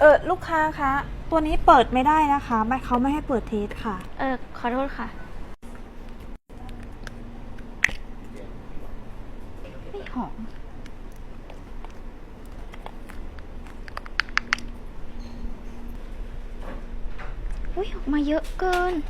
ลูกค้าคะตัวนี้เปิดไม่ได้นะคะเขาไม่ให้เปิดเทสค่ะขอโทษค่ะไม่หอมอุ้ยออกมาเยอะเกิน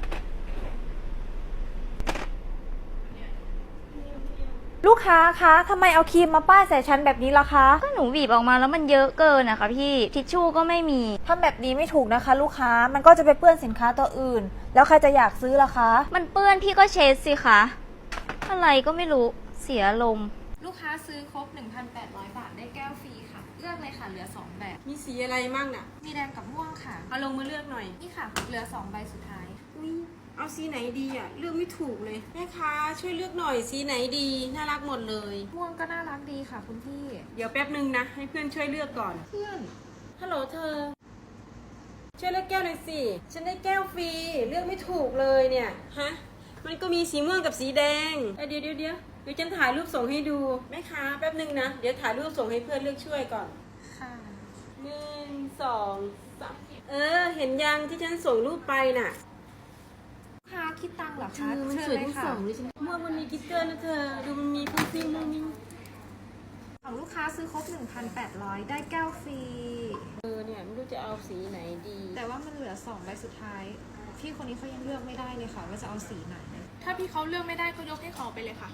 ลูกค้าคะทำไมเอาครีมมาป้ายใส่ฉันแบบนี้ล่ะคะก็หนูบีบออกมาแล้วมันเยอะเกินนะคะพี่ทิชชู่ก็ไม่มีทำแบบนี้ไม่ถูกนะคะ ลูกค้ามันก็จะไปเปื้อนสินค้าตัวอื่นแล้วใครจะอยากซื้อล่ะคะมันเปื้อนพี่ก็เช็ดสิคะอะไรก็ไม่รู้เสียลมลูกค้าซื้อครบ 1,800 บาทได้แก้วฟรีค่ะเลือกเลยค่ะเหลือ2แบบมีสีอะไรมั่งน่ะมีแดงกับม่วงค่ะเอาลงมาเลือกหน่อยนี่ค่ะเหลือ2ใบสุดท้ายอุ้ยเอาสีไหนดีอ่ะเลือกไม่ถูกเลยแม่ค้าช่วยเลือกหน่อยสีไหนดีน่ารักหมดเลยม่วงก็น่ารักดีค่ะคุณพี่เดี๋ยวแป๊บนึงนะให้เพื่อนช่วยเลือกก่อนเพื่อนฮัลโหลเธอช่วยเลือกแก้วหน่อยสิฉันได้แก้วฟรีเลือกไม่ถูกเลยเนี่ยฮะมันก็มีสีม่วงกับสีแดงเดี๋ยวฉันถ่ายรูปส่งให้ดูแม่ค้าแป๊บนึงนะเดี๋ยวถ่ายรูปส่งให้เพื่อนเลือกช่วยก่อนค่ะ 1 2 3เห็นยังที่ฉันส่งรูปไปน่ะลูกค้าคิดตังค์เหรอคะมันสวยทั้งสองเลยฉันม่วงมันมีกิ๊กเกอร์นะเธอดูมันมีพุ่งซิ่งมุ่งมิ่งของลูกค้าซื้อครบ 1,800 ได้แก้วฟรีเนี่ยไม่รู้จะเอาสีไหนดีแต่ว่ามันเหลือ2ใบสุดท้ายพี่คนนี้เขายังเลือกไม่ได้เลยค่ะว่าจะเอาสีไหนถ้าพี่เขาเลือกไม่ได้ก็ยกให้เขาไปเลยค่ะ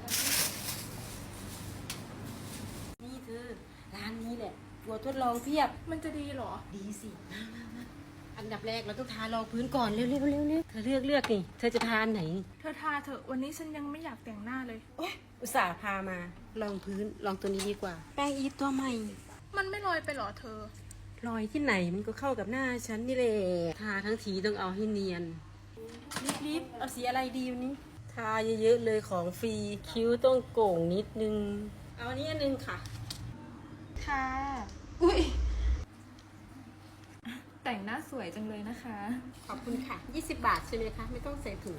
นี่เธอร้านนี้แหละตัวทดลองเพียบมันจะดีเหรอดีสิมาอันดับแรกเราต้องทารองพื้นก่อนเร็วเธอเลือกนี่เธอจะทานไหนเธอทาเถอะวันนี้ฉันยังไม่อยากแต่งหน้าเลยโอ๊ยอุตส่าห์พามาลองพื้นลองตัวนี้ดีกว่าแป้งอีฟตัวใหม่มันไม่ลอยไปหรอเธอรอยที่ไหนมันก็เข้ากับหน้าฉันนี่แหละทาทั้งทีต้องเอาให้เนียนรีบเอาสีอะไรดีวันนี้ทาเยอะๆเลยของฟรีคิ้วต้องโก่งนิดนึงเอาอันนี้อันนึงค่ะค่ะอุ้ยแต่งหน้าสวยจังเลยนะคะขอบคุณค่ะ20 บาทใช่ไหมคะไม่ต้องใส่ถุง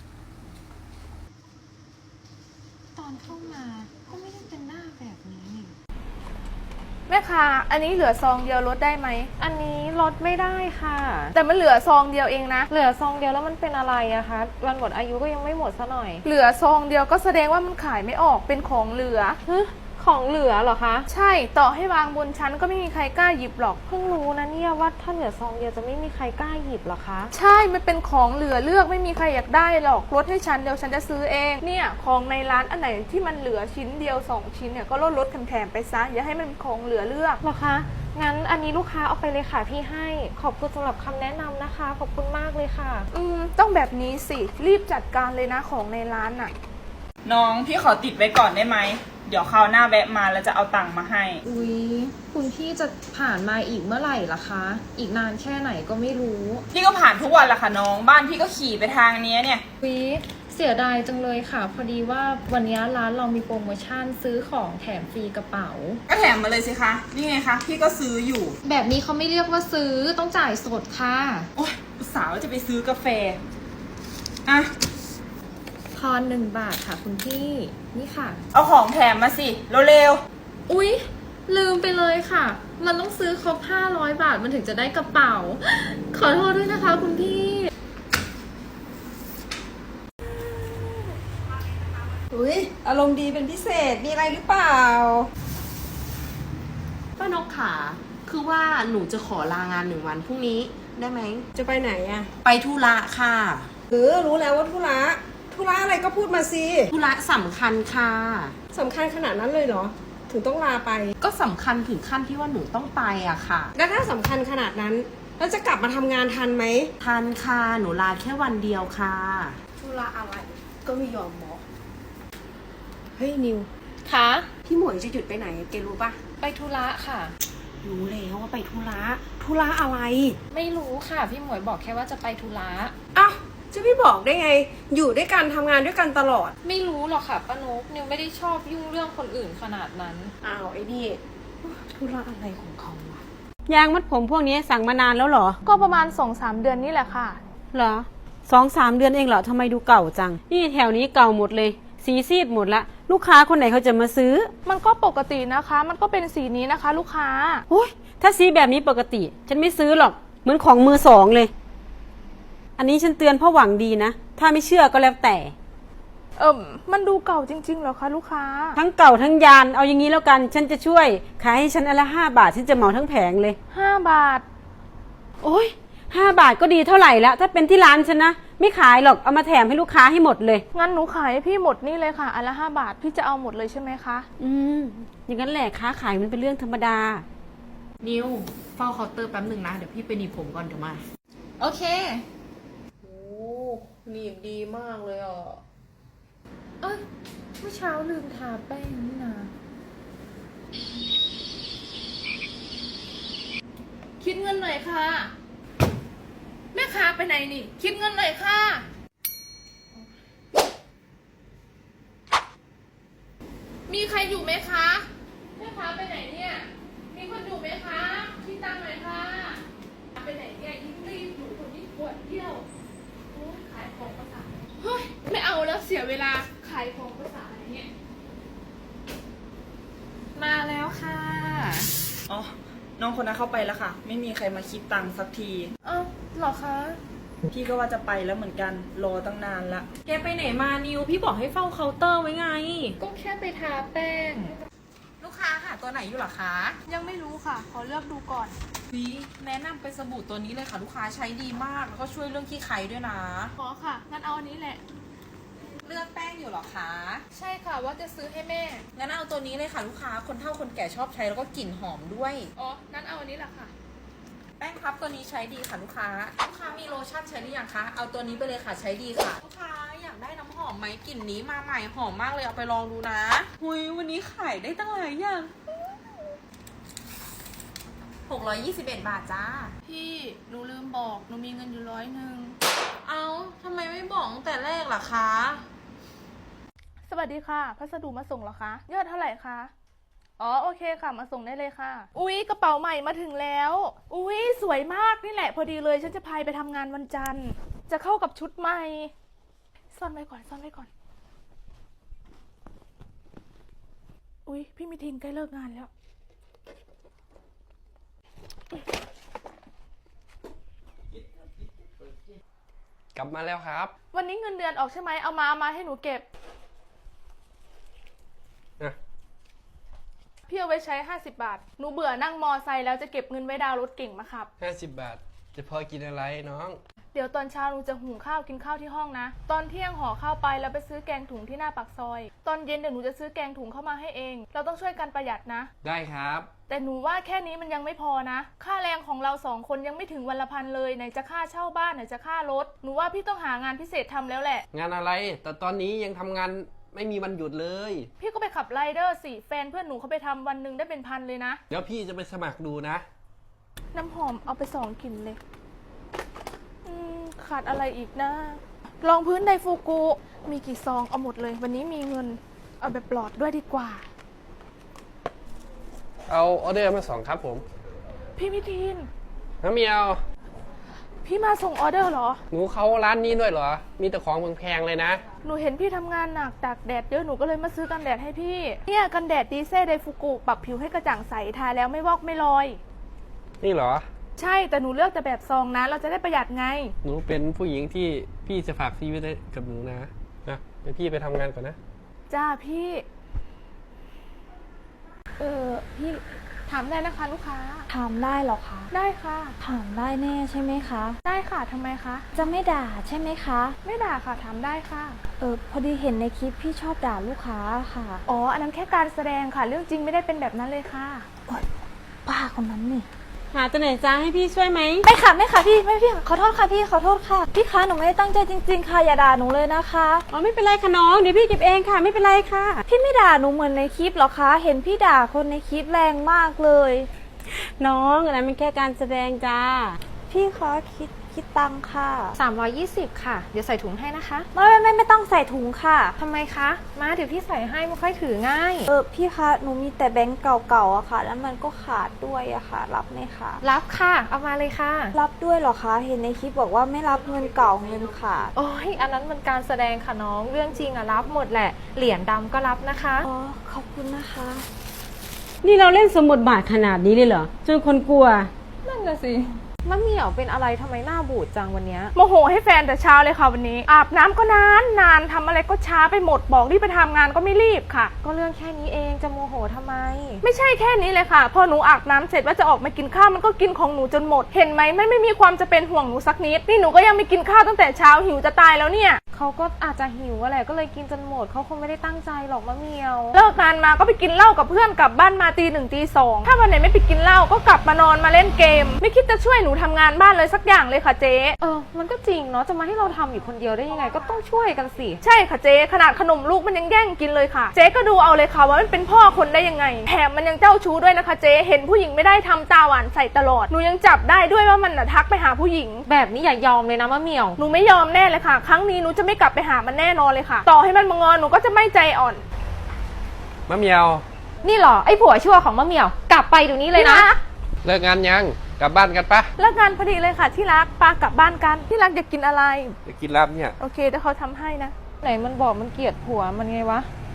ตอนเข้ามาก็ไม่ได้เป็นหน้าแบบนี้แม่ค้าอันนี้เหลือซองเดียวลดได้ไหมอันนี้ลดไม่ได้ค่ะแต่มันเหลือซองเดียวเองนะเหลือซองเดียวแล้วมันเป็นอะไรอะคะวันหมดอายุก็ยังไม่หมดซะหน่อยเหลือซองเดียวก็แสดงว่ามันขายไม่ออกเป็นของเหลือของเหลือเหรอคะใช่ต่อให้วางบนชั้นก็ไม่มีใครกล้าหยิบหรอกเพิ่งรู้นะเนี่ยว่าถ้าเหลือซองเดียวจะไม่มีใครกล้าหยิบหรอคะใช่มันเป็นของเหลือเลือกไม่มีใครอยากได้หรอกลดให้ฉันเดี๋ยวฉันจะซื้อเองเนี่ยของในร้านอันไหนที่มันเหลือชิ้นเดียว2ชิ้นเนี่ยก็ลดแถมไปซะอย่าให้มันเป็นของเหลือเลือกหรอคะงั้นอันนี้ลูกค้าเอาไปเลยค่ะพี่ให้ขอบคุณสำหรับคำแนะนำนะคะขอบคุณมากเลยค่ะต้องแบบนี้สิรีบจัดการเลยนะของในร้านน่ะน้องพี่ขอติดไว้ก่อนได้ไหมเดี๋ยวคราวหน้าแวะมาแล้วจะเอาตังค์มาให้อุ๊ยคุณพี่จะผ่านมาอีกเมื่อไหร่ล่ะคะอีกนานแค่ไหนก็ไม่รู้พี่ก็ผ่านทุกวันละค่ะน้องบ้านพี่ก็ขี่ไปทางนี้เนี่ยอุ๊ยเสียดายจังเลยค่ะพอดีว่าวันนี้ร้านเรามีโปรโมชั่นซื้อของแถมฟรีกระเป๋าก็แถมมาเลยสิคะนี่ไงคะพี่ก็ซื้ออยู่แบบนี้เขาไม่เรียกว่าซื้อต้องจ่ายสดค่ะโอ๊ยอุตส่าห์ว่าจะไปซื้อกาแฟอ่ะทอน1 บาทค่ะคุณพี่นี่ค่ะเอาของแถมมาสิเร็วๆอุ๊ยลืมไปเลยค่ะมันต้องซื้อครบ500 บาทมันถึงจะได้กระเป๋าขอโทษด้วยนะคะคุณพี่อุ๊ยอารมณ์ดีเป็นพิเศษมีอะไรหรือเปล่าป้านกขาคือว่าหนูจะขอลางาน1 วันพรุ่งนี้ได้ไหมจะไปไหนอะไปธุระค่ะรู้แล้วว่าธุระอะไรก็พูดมาสิธุระสำคัญค่ะสำคัญขนาดนั้นเลยเหรอถึงต้องลาไปก็สำคัญถึงขั้นที่ว่าหนูต้องไปอะค่ะแล้วถ้าสำคัญขนาดนั้นแล้วจะกลับมาทำงานทันไหมทันค่ะหนูลาแค่วันเดียวค่ะธุระอะไรก็ไม่ยอมบอกเฮ้ยนิวคะพี่หมวยจะหยุดไปไหนแกรู้ปะไปธุระค่ะรู้แล้วว่าไปธุระอะไรไม่รู้ค่ะพี่หมวยบอกแค่ว่าจะไปธุระอ้าวจะไม่บอกได้ไงอยู่ด้วยกันทำงานด้วยกันตลอดไม่รู้หรอกค่ะป้านกนิวไม่ได้ชอบยุ่งเรื่องคนอื่นขนาดนั้นอ้าวไอ้นี่ธุระอะไรของเขาวะยางมัดผมพวกนี้สั่งมานานแล้วเหรอก็ประมาณ 2-3 เดือนนี่แหละค่ะเหรอ2-3 เดือนเองเหรอทำไมดูเก่าจังนี่แถวนี้เก่าหมดเลยสีซีดหมดละลูกค้าคนไหนเขาจะมาซื้อมันก็ปกตินะคะ มันก็เป็นสีนี้นะคะ ลูกค้าโอ้ยถ้าสีแบบนี้ปกติ ฉันไม่ซื้อหรอกเหมือนของมือสองเลย อันนี้ฉันเตือนเพราะหวังดีนะถ้าไม่เชื่อก็แล้วแต่มันดูเก่าจริงๆเหรอคะลูกค้าทั้งเก่าทั้งยานเอาอย่างนี้แล้วกันฉันจะช่วยขายให้ฉันอันละ5 บาทฉันจะเหมาทั้งแผงเลย 5 บาทโอ้ย5 บาทก็ดีเท่าไหร่แล้วถ้าเป็นที่ร้านฉันนะไม่ขายหรอกเอามาแถมให้ลูกค้าให้หมดเลยงั้นหนูขายให้พี่หมดนี่เลยค่ะ อันละ5 บาท พี่จะเอาหมดเลยใช่ไหมคะอย่างนั้นแหละค้าขายมันเป็นเรื่องธรรมดานิวเฝ้าเคาน์เตอร์แป๊บหนึ่งนะ เดี๋ยวพี่ไปหนีบผมก่อนเดี๋ยวมาโอเคโอ้หนีบดีมากเลยอ่ะเอ้ยเมื่อเช้าลืมทาแป้งนี่นะคิดเงินหน่อยค่ะ แม่ค้าไปไหนนี่ คิดเงินหน่อยค่ะ มีใครอยู่ไหมคะ แม่ค้าไปไหนเนี่ย มีคนอยู่ไหมคะคิดตังค์หน่อยค่ะไปไหนเนี่ยยิ่งรีบอยู่คนนี้ปวดเที่ยวโอ้ยขายของภาษาเฮ้ยไม่เอาแล้วเสียเวลาขายของภาษาอะไรเนี่ยมาแล้วค่ะอ๋อ น้องคนนั้นเข้าไปแล้วค่ะ ไม่มีใครมาคิดตังค์สักทีเอ้าเหรอคะพี่ก็ว่าจะไปแล้วเหมือนกัน รอตั้งนานละแกไปไหนมานิวพี่บอกให้เฝ้าเคาน์เตอร์ไว้ไงก็แค่ไปทาแป้งลูกค้าหาตัวไหนอยู่หรอคะยังไม่รู้ค่ะ ขอเลือกดูก่อนแนะนำเป็นสบู่ตัวนี้เลยค่ะลูกค้าใช้ดีมากแล้วก็ช่วยเรื่องขี้ไคด้วยนะขอค่ะ งั้นเอาอันนี้แหละเลือกแป้งอยู่หรอคะใช่ค่ะ ว่าจะซื้อให้แม่งั้นเอาตัวนี้เลยค่ะลูกค้าคนเฒ่าคนแก่ชอบใช้แล้วก็กลิ่นหอมด้วยอ๋อ งั้นเอาอันนี้แหละค่ะแป้งพับตัวนี้ใช้ดีค่ะลูกค้า ลูกค้ามีโลชั่นใช้หรือยังคะ เอาตัวนี้ไปเลยค่ะใช้ดีค่ะ ลูกค้าอยากได้น้ำหอมไหมกลิ่นนี้มาใหม่หอมมากเลยเอาไปลองดูนะหุยวันนี้ขายได้ตั้งหลายอย่าง621 บาทจ้าพี่ หนูลืมบอก หนูมีเงินอยู่100 เอาทำไมไม่บอกตั้งแต่แรกล่ะคะสวัสดีค่ะ พัสดุมาส่งเหรอคะ ยอดเท่าไหร่คะ อ๋อ โอเคค่ะ มาส่งได้เลยค่ะ อุ๊ย กระเป๋าใหม่มาถึงแล้ว อุ๊ย สวยมากนี่แหละ พอดีเลย ฉันจะพายไปทำงานวันจันทร์ จะเข้ากับชุดใหม่ ซ่อนไว้ก่อน ซ่อนไว้ก่อน อุ๊ย พี่มิทินใกล้เลิกงานแล้วกลับมาแล้วครับวันนี้เงินเดือนออกใช่ไหม เอามาให้หนูเก็บอ่ะพี่เอาไว้ใช้50 บาท หนูเบื่อนั่งมอไซค์แล้วจะเก็บเงินไว้ดาวน์รถเก่งมาขับ 50 บาท จะพอกินอะไรน้องเดี๋ยวตอนเช้าหนูจะหุงข้าวกินข้าวที่ห้องนะ ตอนเที่ยงห่อข้าวไปแล้วไปซื้อแกงถุงที่หน้าปากซอย ตอนเย็นเดี๋ยวหนูจะซื้อแกงถุงเข้ามาให้เอง เราต้องช่วยกันประหยัดนะได้ครับแต่หนูว่าแค่นี้มันยังไม่พอนะ ค่าแรงของเรา2 คนยังไม่ถึงวันละ1,000เลย ไหนจะค่าเช่าบ้านไหนจะค่ารถ หนูว่าพี่ต้องหางานพิเศษทำแล้วแหละงานอะไร แต่ตอนนี้ยังทำงานไม่มีวันหยุดเลยพี่ก็ไปขับไรเดอร์สิ แฟนเพื่อนหนูเขาไปทำวันหนึ่งได้เป็น1,000เลยนะเดี๋ยวพี่จะไปสมัครดูนะน้ำหอมเอาไป2 กลิ่นเลย ขาดอะไรอีกนะรองพื้นไดฟูกุ มีกี่ซองเอาหมดเลย วันนี้มีเงิน เอาแบบปลอดด้วยดีกว่าเอาออเดอร์มา2ครับผมพี่มิทินน้ำเมียวพี่มาส่งออเดอร์เหรอหนูเข้าร้านนี้ด้วยเหรอ มีแต่ของแพงๆเลยนะหนูเห็นพี่ทำงานหนักตากแดดเยอะหนูก็เลยมาซื้อกันแดดให้พี่ เนี่ยกันแดดดีเซ่ไดฟูกุปรับผิวให้กระจ่างใสทาแล้วไม่วอกไม่ลอยนี่เหรอใช่แต่หนูเลือกแต่แบบซองนะ เราจะได้ประหยัดไงหนูเป็นผู้หญิงที่พี่จะฝากชีวิตไว้กับหนูนะเดี๋ยวพี่ไปทำงานก่อนนะจ้าพี่ พี่ถามได้นะคะลูกค้าถามได้เหรอคะได้ค่ะถามได้แน่ใช่ไหมคะได้ค่ะทำไมคะจะไม่ด่าใช่ไหมคะไม่ด่าค่ะถามได้ค่ะพอดีเห็นในคลิปพี่ชอบด่าลูกค้าค่ะอ๋อ อันนั้นแค่การแสดงค่ะ เรื่องจริงไม่ได้เป็นแบบนั้นเลยค่ะป้าคนนั้นนี่หาตัวไหนจ้าให้พี่ช่วยไหมไม่ค่ะไม่ค่ะพี่ไม่พี่ขอโทษค่ะพี่ขอโทษค่ะพี่คะหนูไม่ได้ตั้งใจจริงๆค่ะอย่าด่าหนูเลยนะคะอ๋อไม่เป็นไรค่ะน้องเดี๋ยวพี่เก็บเองค่ะไม่เป็นไรค่ะพี่ไม่ด่าหนูเหมือนในคลิปหรอคะเห็นพี่ด่าคนในคลิปแรงมากเลยน้องอันนั้นเป็นแค่การแสดงจ้าพี่คะคลิคิดตังค่ะ 320 ค่ะ เดี๋ยวใส่ถุงให้นะคะไม่ต้องใส่ถุงค่ะทำไมคะ มาเดี๋ยวพี่ใส่ให้ไม่ค่อยถือง่ายพี่คะหนูมีแต่แบงก์เก่าๆอะค่ะ แล้วมันก็ขาดด้วยอะค่ะ รับไหมคะรับค่ะ เอามาเลยค่ะรับด้วยเหรอคะเห็นในคลิปบอกว่าไม่รับเงินเก่าเงินขาดโอ้ยอันนั้นมันการแสดงค่ะน้อง เรื่องจริงอะรับหมดแหละ เหรียญดำก็รับนะคะอ๋อขอบคุณนะคะนี่เราเล่นสมบทบาทขนาดนี้เลยเหรอ จนคนกลัวนั่นน่ะสิมะเหมี่ยวเป็นอะไรทำไมหน้าบูดจังวันเนี้ยโมโหให้แฟนแต่เช้าเลยค่ะวันนี้ อาบน้ำก็นานทำอะไรก็ช้าไปหมดบอกรีบไปทำงานก็ไม่รีบค่ะก็เรื่องแค่นี้เองจะโมโหทำไมไม่ใช่แค่นี้เลยค่ะ พอหนูอาบน้ำเสร็จว่าจะออกมากินข้าวมันก็กินของหนูจนหมด เห็นไหมไม่มีความจะเป็นห่วงหนูสักนิดนี่หนูก็ยังไม่กินข้าวตั้งแต่เช้าหิวจะตายแล้วเนี่ยเขาก็อาจจะหิวอะแหละก็เลยกินจนหมดเขาคงไม่ได้ตั้งใจหรอกมะเหมียวเลิกงานมาก็ไปกินเหล้ากับเพื่อนกลับบ้านมาตี 1ตี2ถ้าวันไหนไม่ไปกินเหล้าก็กลับมานอนมาเล่นเกม ไม่คิดจะช่วยหนูทำงานบ้านเลยสักอย่างเลยค่ะเจ๊มันก็จริงเนาะจะมาให้เราทำอยู่คนเดียวได้ยังไงก็ต้องช่วยกันสิใช่ค่ะเจ๊ขนาดขนมลูกมันยังแย่งกินเลยค่ะเจ๊ก็ดูเอาเลยค่ะว่ามันเป็นพ่อคนได้ยังไงแถมมันยังเจ้าชู้ด้วยนะคะเจ๊เห็นผู้หญิงไม่ได้ทำตาหวานใส่ตลอดหนูยังจับได้ด้วยว่ามันน่ะทักไปหาผู้หญิงแบบนี้อย่ายอมเลยนะมะเหมียวหนูไม่ยอมแน่เลยค่ะ ครั้งนี้หนูจะไม่กลับไปหามันแน่นอนเลยค่ะ ต่อให้มันมางอนหนูก็จะไม่ใจอ่อนมะเหมียวนี่เหรอไอ้ผัวชั่วของมะเหมียวกลับไปเดี๋ยวนี้เลยนะเลิกงานยัง กลับบ้านกันปะเลิกงานพอดีเลยค่ะที่รักปากลับบ้านกันที่รักอยากกินอะไรจะกินลาบเนี่ยโอเคเดี๋ยวเขาทำให้นะไหนมันบอกมันเกลียดผัวมันไงวะ